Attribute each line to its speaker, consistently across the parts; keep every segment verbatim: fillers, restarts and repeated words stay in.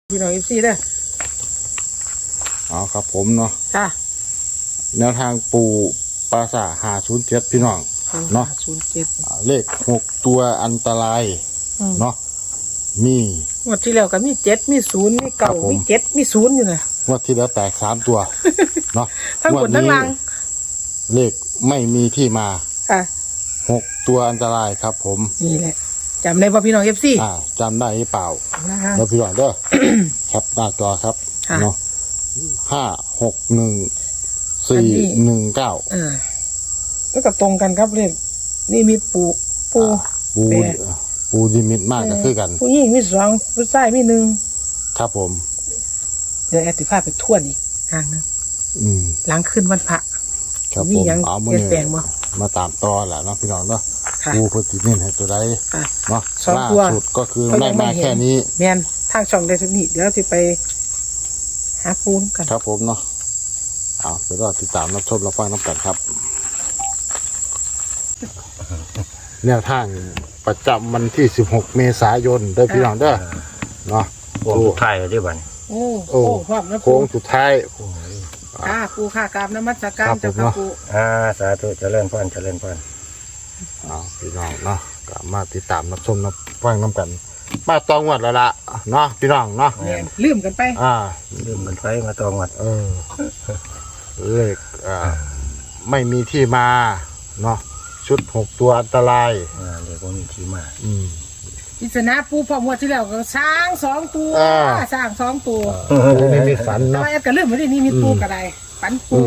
Speaker 1: พี่น้องเอฟซีได้
Speaker 2: เอาครับผมเนาะ
Speaker 1: จ้า
Speaker 2: แนวทางปูปราสาทหาศูนย์เจ็ดพี่น้องเนาะ
Speaker 1: ศูนย์เจ็ด
Speaker 2: เลขหกตัวอันตรายเนาะมี
Speaker 1: งวดที่แล้วก็มีเจ็ดมีศูนย์มีเก่ามีเจ็ดมีศูนย์อยู่เลย
Speaker 2: งวดที่แล้วแตกสามตัวเนาะ
Speaker 1: ทั้งบนทั้งล่าง
Speaker 2: เลขไม่มีที่มา
Speaker 1: ค่ะ
Speaker 2: หกตัวอันตรายครับผม
Speaker 1: นี่แหละจำได้ป่ะพี่น้องเอฟซี
Speaker 2: อ่าจำได้หรือเปล่าแล้วพี่น้องเด้อแคปหน้าจอครับเนาะห้าหกหนึ่งสี่หนึ่งเก้า
Speaker 1: อ่าแล้วก็ตรงกันครับเลขนี่มีปูปู
Speaker 2: ปูปูดิมิตมากก็คือกัน
Speaker 1: ผู้หญิงมีสองผู้ชายมีหนึ่ง
Speaker 2: ครับผม
Speaker 1: เดี๋ยวแอดติภาพไปทวนอีกทางนึง
Speaker 2: อืม
Speaker 1: หลังขึ้นวันพระ
Speaker 2: ครับผมเอามาเนี่ยมาตามต่อแหละเนาะพี่น้องเนาะปูพุทธิเน้นให้ตัวใดเนาะล่าสุดก็คือได้มาแค่นี้
Speaker 1: แมนทางช่องได้ทุกนี้เดี๋ยวจะไปหาปูนกัน
Speaker 2: ครับผมเนาะเอาไปรอติดตามรับชมรับฟังน้ำกันครับแนวทางประจำวันที่สิบหกเมษายนเด้อพี่น้องเด้อเนาะ
Speaker 3: โค้งสุดท้ายได้บ้าน
Speaker 1: โอ้โอ้พร้อมนะ
Speaker 2: โค้งสุดท้าย
Speaker 1: ค่ะปูค่ะกราบนมัสการเจ้าค่ะปู
Speaker 3: อ่าสาธุเจริญพรเจริญพร
Speaker 2: เอาพี่น้องเนาะกลับมาติดตามรับชมรับฟังน้ำกันมาตองวัดแล้วล่ะเนาะพี่น้องเนาะ
Speaker 1: ลืมกันไป
Speaker 2: อ่า
Speaker 3: ลืมกันไปมาตองวัด
Speaker 2: เออเลขอ่าไม่มีที่มาเนาะชุดหกตัวอันตราย
Speaker 3: อ่าเดี๋ยวก็มีที่มา
Speaker 2: อืม
Speaker 1: อิสนาปูพอหมดที่แล้วก็ช้างสองตัวสร้างสองตัว
Speaker 2: ไม่มีฝันเนาะ
Speaker 1: แต่ก็ลืมไม่ได้นี่มีปูกระไดฝันปู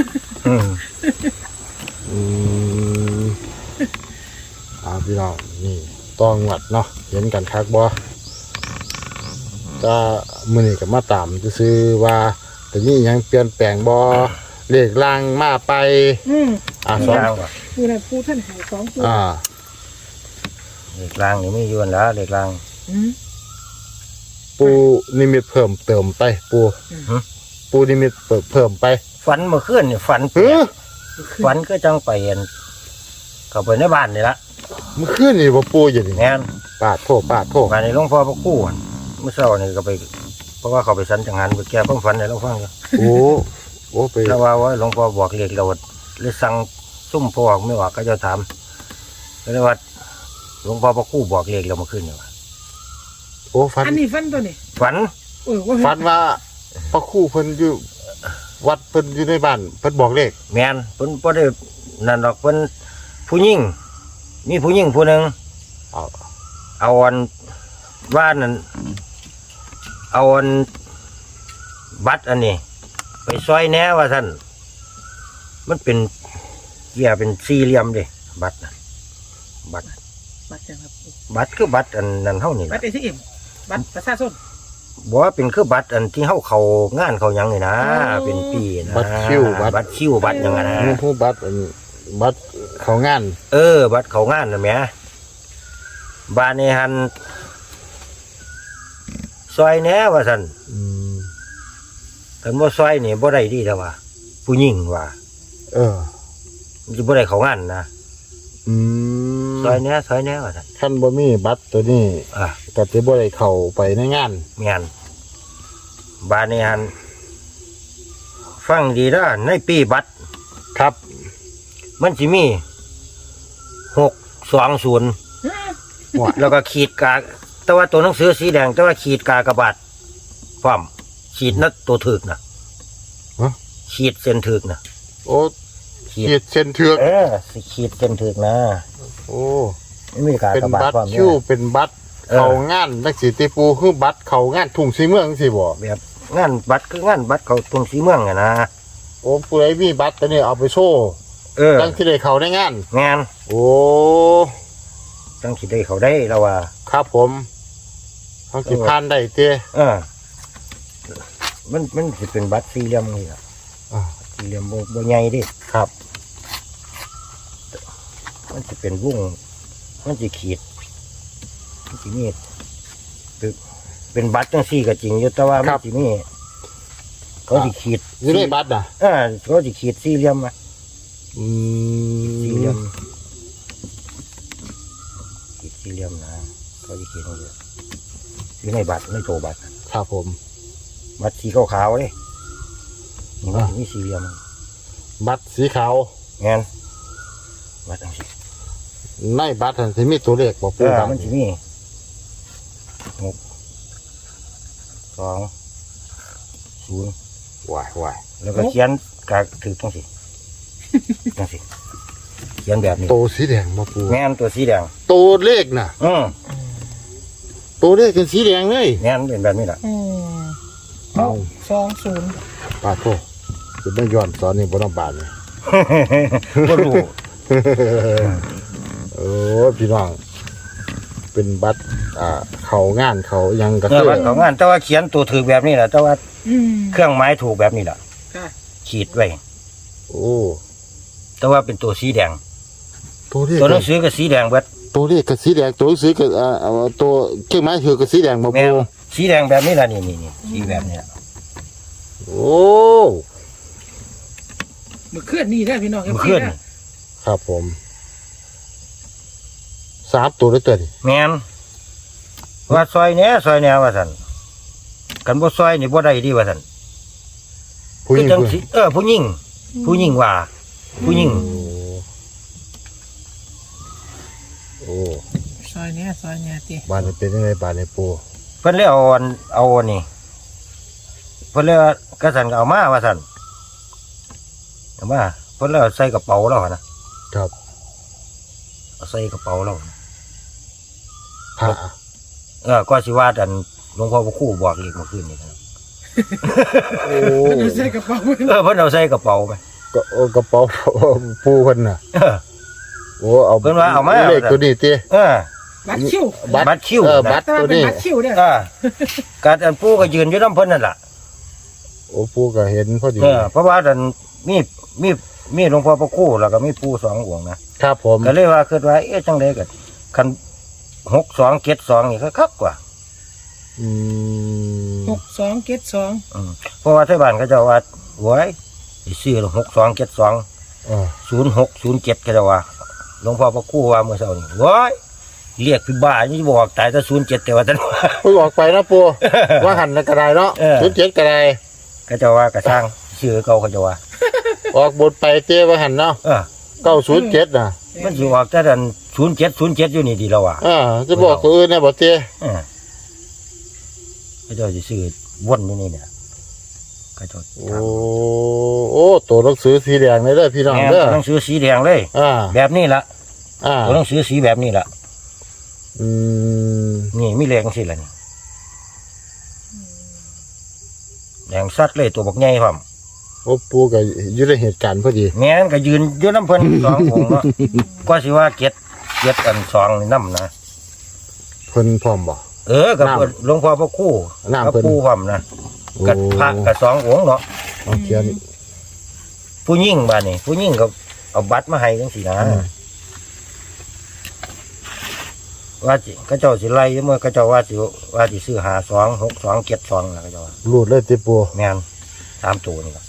Speaker 2: อืมอ่าพี่น้องนี่ตองวัดเนาะเห็นกันคักบ่ก็มื้อนี้ก็มาตามซื้อว่าแต่นี่ยังเปลี่ยนแปลงบ่เลขล่างมาไป
Speaker 1: อืม
Speaker 2: อ่าสอง
Speaker 1: คืออะไรปูท่านหายสองตัว
Speaker 2: อ่า
Speaker 3: เลขล่างนี่ไม่ยวนแล้วเลขล่าง
Speaker 1: อืม
Speaker 2: ปูนิมิตเพิ่มเติมไปปูปูนิมิตเพิ่มไป
Speaker 3: ฝันเมื่อคืนนี่ฝันเปียกฝันก็จังไปเห็นเข้าไปในบ้านนี่ละ
Speaker 2: เมื่อคืนนี่บ่ปูอยู่นี่
Speaker 3: แม่น
Speaker 2: ปาดโทษปาดโทษ
Speaker 3: มาในหลวงพ่อพระคู่เมื่อเช้านี่ก็ไปเพราะว่าเขาไปสันจังหันไปแก้ความฝันในหลวงพ่ออยู่
Speaker 2: โอ้โอ้ไป
Speaker 3: แล้วว่าว่าหลวงพ่อบอกเรียกเราเลยสั่งซุ่มพ่อไม่ว่าก็จะถามแล้วว่าหลวงพ่อพระคู่บอกเรียกเราเมื่อคืนนี่ว่า
Speaker 2: โอ้ฝัน
Speaker 1: อันนี้ฝันตัวนี้
Speaker 3: ฝัน
Speaker 1: เออว่า
Speaker 2: ฝันว่าพระคู่เพิ่นอยู่วัดเพิ่นอยู่ในบ้านเพิ่นบอกเลข
Speaker 3: แม่นเพิ่นบ่ได้นั่นดอกเพิ่นผู้หญิงมีผู้หญิงผู้หนึ่ง
Speaker 2: เอา
Speaker 3: เอาอันว่านั่นเอาอันบัตรอันนี้ไปซอยแหน่ว่าท่านมันเป็นเกี่ยเป็นสี่เหลี่ยมดิบัตรบัตร
Speaker 1: บัตรครับ
Speaker 3: บัตรคือบัตรอันนั้นเท่านี้
Speaker 1: บัตรเอทีเอ็มบัตรประชาชน
Speaker 3: บอกว่าเป็นคือบัตรอันที่เฮาเขางานเขายังนี่นะเป็นปีนะ
Speaker 2: บัตรคิว
Speaker 3: บัตรคิวบัตรยังไงนะ
Speaker 2: ผู้บัตรบัตรเขางาน
Speaker 3: เออบัตรเขางานนะแม่บ้านนี้หันซอยแหน่ว่าท่านแต่ว่าซอยนี่บ่ได้ดีแต่ว่าผู้หญิงว่า
Speaker 2: เออ
Speaker 3: มันจะบ่ได้เขางานนะ
Speaker 2: อืม
Speaker 3: ซอยแหน่ซอยแหน่ว่าท่าน
Speaker 2: ท่านบ่มีบัตรตัวนี้
Speaker 3: อ่ะ
Speaker 2: ก็สิบ่ได้เข้าไปในงาน
Speaker 3: งานบ้านนี้หันฟังดีนะในปีบัตร
Speaker 2: ครับ
Speaker 3: มันสิมีหกสองศูนย์แล้วก็ขีดกาแต่ว่าตัวหนังสือสีแดงแต่ว่าขีดกากระบาดพร้อมขีดนัดตัวถึกนะขีดเส้นถึกนะ
Speaker 2: โอ้ขีดเส้นถึก
Speaker 3: เออขีดเส้นถึกนะ
Speaker 2: โอ้
Speaker 3: ไม่มีกากระบาด
Speaker 2: เป็นบัตรคิวเป็นบัตรเขางานนักศิติปูคือบัตรเขางานทุ่งสีเมืองสิบ่
Speaker 3: แบบงานบัตรคืองานบัตรเขาทุ่งสีเมืองไงนะ
Speaker 2: โอ้ผู้ใดมีบัตรตัวนี้เอาไปโชว์
Speaker 3: เออ
Speaker 2: ตั้งที่ได้เขาได้งาน
Speaker 3: งาน
Speaker 2: โอ้
Speaker 3: ตั้งที่ได้เขาได้แล้วว่า
Speaker 2: ครับผมต้องสิพานได้เต้
Speaker 3: เออมันมันสิเป็นบัตรสี่เหลี่ยมนี่ล่ะ
Speaker 2: อ่า
Speaker 3: สี่เหลี่ยมบ่บ่ใหญ่ดิ
Speaker 2: ครับ
Speaker 3: มันสิเป็นวงมันสิขีดมันสิมีเป็นบัตรจังซี่ก็จริงอยู่แต่ว่ามันสิมีเขาสิขีด
Speaker 2: อยู่ในบัตรน่ะ
Speaker 3: เออเขาสิขีดสี่เหลี่ยมอ่ะ
Speaker 2: อืม
Speaker 3: สี่เหลี่ยมขีดสี่เหลี่ยมนะเขาสิขีดอยู่อยู่ในบัตรในโตบัตร
Speaker 2: ครับผม
Speaker 3: บัตรสีขาวๆเลยนี่มันสิมีสี่เหลี่ยม
Speaker 2: บัตรสีขาว
Speaker 3: งานบัตรอังสิ
Speaker 2: ในบัตรที่มีตัวเลขบ่
Speaker 3: เอ
Speaker 2: ปู
Speaker 3: อ
Speaker 2: ครับ
Speaker 3: มันสิมีหกสองศูนย์
Speaker 2: วายวาย
Speaker 3: แล้วก็เขียนกากถือจังสิจังสิเขียนแบบนี้
Speaker 2: ตัวสีแดงบ่ปู
Speaker 3: แม่นตัวสีแดง
Speaker 2: ตัวเลขน่ะ
Speaker 3: อืม
Speaker 2: ตัวเลขเป็นสีแดงเลย
Speaker 3: แม่นเป็นแบบนี้แหละ
Speaker 1: อืมห
Speaker 2: เอา
Speaker 1: กสองศูนย์
Speaker 2: ปาโทจะไม่ย้อนสอนนี่บ่ต้องบาดนี่
Speaker 3: บ่รู้
Speaker 2: โอ้พี่น้อง เป็นบัตรอ่าเขางานเขายังกระ
Speaker 3: เออ
Speaker 2: เทือ
Speaker 3: บัตรของงานแต่ว่าเขียนตัวถือแบบนี้แหละแต่ว่า
Speaker 1: อืม
Speaker 3: เครื่องหมายถูกแบบนี้แหละ
Speaker 1: ค่ะ
Speaker 3: ขีดไว้
Speaker 2: โอ้
Speaker 3: แต่ว่าเป็นตัวสีแดง
Speaker 2: ตัวเลข
Speaker 3: ตัวหนังสือก็สีแดงเบิด
Speaker 2: ตัวเลขกับสีแดงตัวหนังสือกับอ่าอ่าตัวเครื่องไม้ถือกับสีแดงบ่
Speaker 3: แม่
Speaker 2: ปู
Speaker 3: นสีแดงแบบนี้ล่ะนี่นี่นี่สีแบบนี้ล่ะ
Speaker 2: โอ้
Speaker 1: มือเคลื่อนนี่ได้อพี่น้อง
Speaker 3: มันเคลื่อน
Speaker 1: นะ
Speaker 2: ครับผมสามตัวด้วยตัวนี่
Speaker 3: แม่นว่าซอยเนี้ยซอยเนี้ยว่าซั่นกันบ่ซอยนี่บ่ได้ดีว่าซั่น
Speaker 2: ผู้ห
Speaker 3: คื
Speaker 2: ญิ
Speaker 3: อง จัง
Speaker 2: ผู้ห
Speaker 3: สิ
Speaker 2: ญิง
Speaker 3: เออผู้หญิงผู้หญิงว่า ผู้หญิง
Speaker 2: โอ้โอ้
Speaker 1: ซอยเนี้ยซอยเนี้ยตี
Speaker 2: บ้านนี้เป็นยังไงบ้านนี้ปู
Speaker 3: เพิ่นเลยเอาอันเอาอันนี่เพิ่นเลยว่ากระสันก็เอามาว่าซั่นเอามาเพิ่นเลยเอาใส่กระเป๋าแล้วนะครับ เอาใส่กระเป๋าแล้ว
Speaker 2: พระ
Speaker 3: เออก็สิว่าดันหลวงพ่อพระครูบอกอีกเมื่อคืนนี่ครับ
Speaker 2: โอ้
Speaker 1: มันจะใส่กระเป๋าไว้
Speaker 3: เออเพิ่นเอาใส่กระเป๋าไป
Speaker 2: ก็โอ้กระเป๋าปูเพิ่นน่ะ
Speaker 3: เออ
Speaker 2: โอ้เอา
Speaker 3: เพิ่นว่าเอามา
Speaker 2: เลขตัวนี้ติ
Speaker 3: เออ
Speaker 1: บัตรคิว
Speaker 3: บัตรคิว
Speaker 2: เออ
Speaker 3: นะ
Speaker 2: บัตร
Speaker 1: แต่
Speaker 2: ตั
Speaker 1: ว่าว เป็น
Speaker 2: นี้
Speaker 1: บัตรคิวเด้อ
Speaker 3: เออการอันปู่ก็ยืนอยู่นำเพิ่นนั่นล่ะ
Speaker 2: โอ้ปูก็เห็นพอดี
Speaker 3: เออเพราะว่าดันมีมีมีหลวงพ่อพระครูแล้วก็มีปู่สององค์นะครับ
Speaker 2: ผม
Speaker 3: ก็เลยว่าคิดว่าเอ๊ะจังได๋ก็คันหกสองเจ็ดสองนี่ก็คักกว่า
Speaker 2: อืม
Speaker 1: หกสองเจ็ดสอง
Speaker 3: อืมเพราะว่าที่บ้านเขาเจะว่าโว้ยสิซื้อหกสองเจ็ดสอง
Speaker 2: เออ
Speaker 3: ศูนย์หกศูนย์เจ็ดก็จะว่าหลวงพ่อพระครูว่าเมื่อเช้านี้โว้ยเรียกพี่บ้านี่บอกตายแต่ศูนย์เจ็ดแต่ว่าท่านว่า
Speaker 2: ปูออกไปนะปูว่าหันแล้วก็ได้เนาะ
Speaker 3: เออ
Speaker 2: ศูนย์เจ็ดก็ได้
Speaker 3: ก็จะว่ากระช่างชื่อเก่าเขาจะว่า
Speaker 2: ออกบทไปเต้ว่าหันเนาะ
Speaker 3: เออ
Speaker 2: เก้าศูนย์เจ็ดน่ะ
Speaker 3: มันสิออกแต่ดันศูนย์เจ็ดศูนย์เจ็ดอยู่นี่ดีแล้วว่ะ
Speaker 2: อ่าจะบอกตัวอื่นนะบอกเต้
Speaker 3: เออเขาเจะสิซื้อวนอยู่นี่เนี่ยเขาเจะ
Speaker 2: โอ้โอ้ตัวหนังสือสีแดงเลยเด้อพี่น้อง
Speaker 3: แม่
Speaker 2: เด้อ
Speaker 3: หนังสือสีแดงเลย
Speaker 2: อ่า
Speaker 3: แบบนี้ละ
Speaker 2: อ่า
Speaker 3: ตัวหนังสือสีแบบนี้ละ
Speaker 2: อืม
Speaker 3: นี่มีแรงสิละนี่แดงสัดเลยตัวบักใหญ่พร้อม
Speaker 2: โอ้ปูก็อยู่ในเหตุการณ์พอดี
Speaker 3: แม่นก็ยืนอยู่น้ำเพิ่น สององค์เนาะก็สิว่าเก็ดเก็ดอันสองนี่น้ำนะ
Speaker 2: เพิ่นพร้อมบ่
Speaker 3: เออกับ
Speaker 2: น้ำ
Speaker 3: หลวงพ่อพระครู่
Speaker 2: น้ำ
Speaker 3: กับ
Speaker 2: เพิ่น
Speaker 3: ปู่พร้อมนะกับพระกับสององค์เนาะ
Speaker 2: เอาเขียน
Speaker 3: ผู้ยิ่งบ้านนี่ผู้ยิ่งก็เอาบัตรมาให้จังซี่นะ
Speaker 2: อืม
Speaker 3: ว่าสิเขาเจ้าสิไล่เมื่อเขาเจ้าว่าสิว่าสิซื้อหาสองหกสองเจ็ดสองนะเขาเจ้าว่า
Speaker 2: รูดเลยติปู
Speaker 3: แม่นสามตัวนี่ล่ะ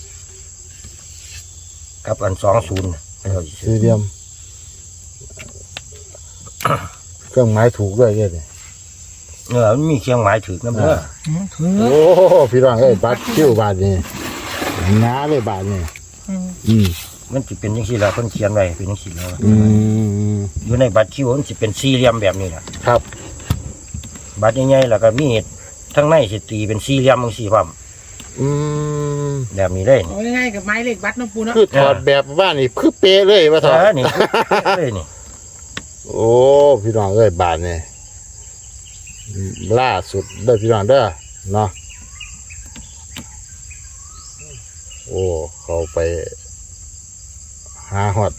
Speaker 3: กับอันสองศูนย์เขาเจ้าสิซื้อ
Speaker 2: สี่เหลี่ยม เครื่องหมายถูกด้วยเด้นี่
Speaker 3: เออมันมีเครื่องหมายถือน้ำเด้อ
Speaker 1: อืมถือ
Speaker 2: โอ้พี่น้องเอ้ยบัตรคิวบาทนี่หนาเลยบาทนี่
Speaker 1: อืม
Speaker 2: อืม
Speaker 3: มันสิเป็นจังซี่ล่ะเพิ่นเขียนไว้เป็นจังซี่แล้ว
Speaker 2: อืม
Speaker 3: อยู่ในบัตรคิวมันสิเป็นสี่เหลี่ยมแบบนี้ล่ะ
Speaker 2: ครับ
Speaker 3: บัตรใหญ่ๆแล้วก็มีทั้งในสิตีเป็นสี่เหลี่ยมจังซี่พร้อม
Speaker 2: อืม
Speaker 3: แบบนี้เลย
Speaker 1: เอาง่ายๆกับไม้เลขบัตรเน้องปูเนาะ
Speaker 2: คือถอดแบบว่านี่คือเป๊ะเลยว่าถ
Speaker 3: เอ
Speaker 2: อด
Speaker 3: อนี่เลยนี่
Speaker 2: โอ้พี่น้องเอ้ยบาทนี่ล่าสุดเด้อพี่น้องเด้อเนาะโอ้เขาไปหาหอด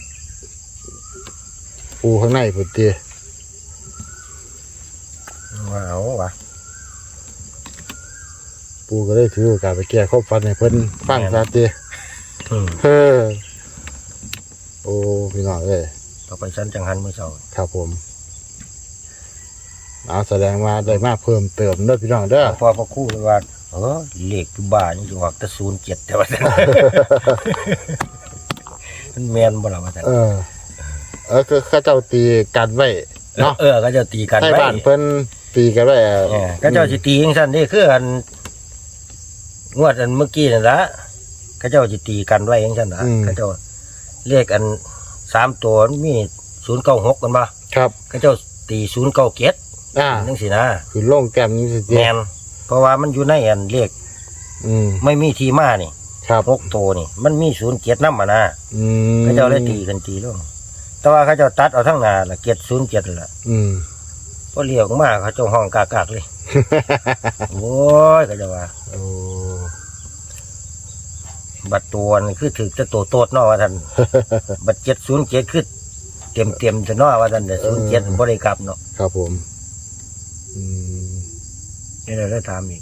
Speaker 2: ปูข้างในพุ่นติ
Speaker 3: ว้าวว่ะ
Speaker 2: ปูก็ได้ถือโอกาสไปแก้ข้อฟันให้เพิ่นฟังซะติ
Speaker 3: อืม
Speaker 2: เฮ้อโอ้พี่น้องเอ้ย
Speaker 3: ต่อไปชั้นจังหันมื้อเช้า
Speaker 2: ครับผมเอาแสดงว่าได้มาเพิ่มเติมเด้อพี่น้องเด้อ
Speaker 3: พอพระครู่เลยว่าเออเลขคือบ้านี่สิออกแต่ศูนย์เจ็ดแต่ว่า มันแม่นบ่ล่ะว่าซั่น
Speaker 2: เออ เออคือเข้าเจ้าตีกันไว้เนาะ
Speaker 3: เออก็จะตีกัน
Speaker 2: ให้
Speaker 3: ไว้
Speaker 2: บ้านเพิ่นตีกันได้อะ
Speaker 3: เออเขาเจ้าสิตีจังซั่นนี่คืออันงวดอันเมื่อกี้นั่นละเขาเจ้าสิตีกันไว้จังซั่นนะเขาเจ้าเลขอันสามตัวมันมีศูนย์เก้าหกกันบ่
Speaker 2: ครับ
Speaker 3: เขาเจ้าตีศูนย์เก้าเจ็ด
Speaker 2: อ่า
Speaker 3: จังซี่นะ
Speaker 2: คือลงแก้มนี่สิ
Speaker 3: แม่นเพราะว่ามันอยู่ในอันเลข
Speaker 2: อืม
Speaker 3: ไม่มีที่มานี่
Speaker 2: ครับ
Speaker 3: หกตัวนี่ มันมีศูนย์เจ็ดนำอ่ะนะ
Speaker 2: อืม
Speaker 3: เขาเจ้าเลยตีกันตีลงแต่ว่าเขาเจ้าตัดเอาทั้งหน้าละเจ็ดศูนย์เจ็ดล่ะ
Speaker 2: อืม
Speaker 3: พอเรียกมาเขาเจ้าห้องกากๆเลย โอ้ยเขาเจ้าว่า
Speaker 2: โอ้
Speaker 3: บัตรตัวนี่คือถือจะโตโตดเนาะว่าท่าน บัตรเจ็ดศูนย์เจ็ดคือเต็มเต็มจะเนาะว่าท่านแต่ศูนย์เจ็ดบริกรรมเนาะ
Speaker 2: ครับผมอืม
Speaker 3: นี่เราได้ถามอีก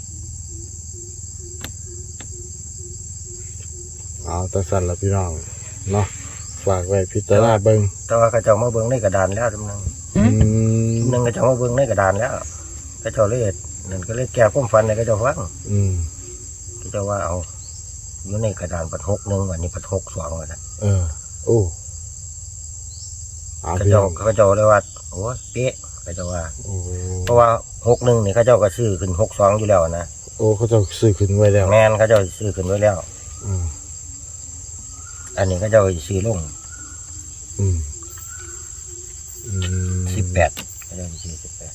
Speaker 2: เอาแตัสั่นละพี่น้องเนาะฝากไว้พิจารณาเบิ่ง
Speaker 3: แต่ว่าเขาเจ้ามาเบิ้งในกระดานแล้วทุกนึง
Speaker 2: อืม
Speaker 3: ทุกนึงเขาเจ้ามาเบิ้งในกระดานแล้วเขาเจ้าเลยนั่นก็เลยแก้ความฝันในเขาเจ้าฟัง
Speaker 2: อืม
Speaker 3: เขาเจ้าว่าเอาอยู่ในกระดานปัดหกหนึ่งวันนี้ปัดหกสองวันนะ
Speaker 2: เออโอ้เอา
Speaker 3: เขา
Speaker 2: พี่น้
Speaker 3: เจ้า
Speaker 2: อง
Speaker 3: เขาเจ้าเลยว่าโอ้ยเป๊ะเขาเจ้าว่า
Speaker 2: โอ้
Speaker 3: เพราะว่าหกหนึ่งนี่เขาเจ้าก็ซื้อขึ้นหกสองอยู่แล้วนะ
Speaker 2: โอ้เขาจะซื้อขึ้นไว้แล้ว
Speaker 3: แมนเขาเจ้าซื้อขึ้นไว้แล้ว
Speaker 2: อืม
Speaker 3: อันนี้เขาเจ้าซื้อลง
Speaker 2: อืมอืม
Speaker 3: สิบแปดเขาเจ้าซื้อสิบแปด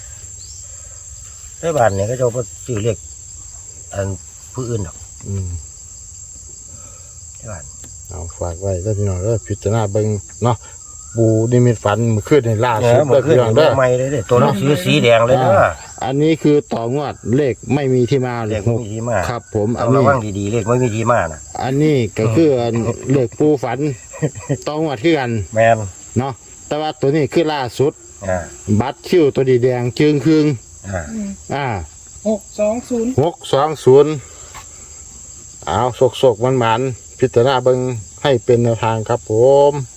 Speaker 3: ในบ้านนี่เขาเจ้าก็ซื้อเลขอันผู้อื่นหรอก
Speaker 2: อืม
Speaker 3: ในบ้าน
Speaker 2: เอาฝากไว้แล้วพี่น้องแล้วพิจารณาเบิ่งเนาะปูนิมิตฝันเมื่อคืนในล่า
Speaker 3: เอ
Speaker 2: สุ
Speaker 3: อ
Speaker 2: ด
Speaker 3: มัน
Speaker 2: เด้อ
Speaker 3: ขึ้น
Speaker 2: พี่น้องเด้อ
Speaker 3: ใหม่เลยเด้อตัวหนังสือสีแดงเลยเด้อ
Speaker 2: อ่าอันนี้คือต่องวดเลขไม่มีที่มา
Speaker 3: เลขไม่มีที่มา
Speaker 2: ครับ ผม
Speaker 3: ต้
Speaker 2: อั
Speaker 3: อน งระ
Speaker 2: นี้
Speaker 3: วังดีๆเลขไม่มีที่มานะ
Speaker 2: อันนี้ก็คืออันเลขปูฝันต่องวดคือกัน
Speaker 3: แมน
Speaker 2: เนาะแต่ว่าตัวนี้คือล่าสุด
Speaker 3: อ่า
Speaker 2: บัตรคิวตัวดีแดงจึงครึ่ง
Speaker 3: อ่า
Speaker 2: อ่า
Speaker 1: หกสองศูนย์
Speaker 2: หกสองศูนย์เอาโศกโศกมันมันๆพิจารณาเบิ่งให้เป็นแนวทางครับผม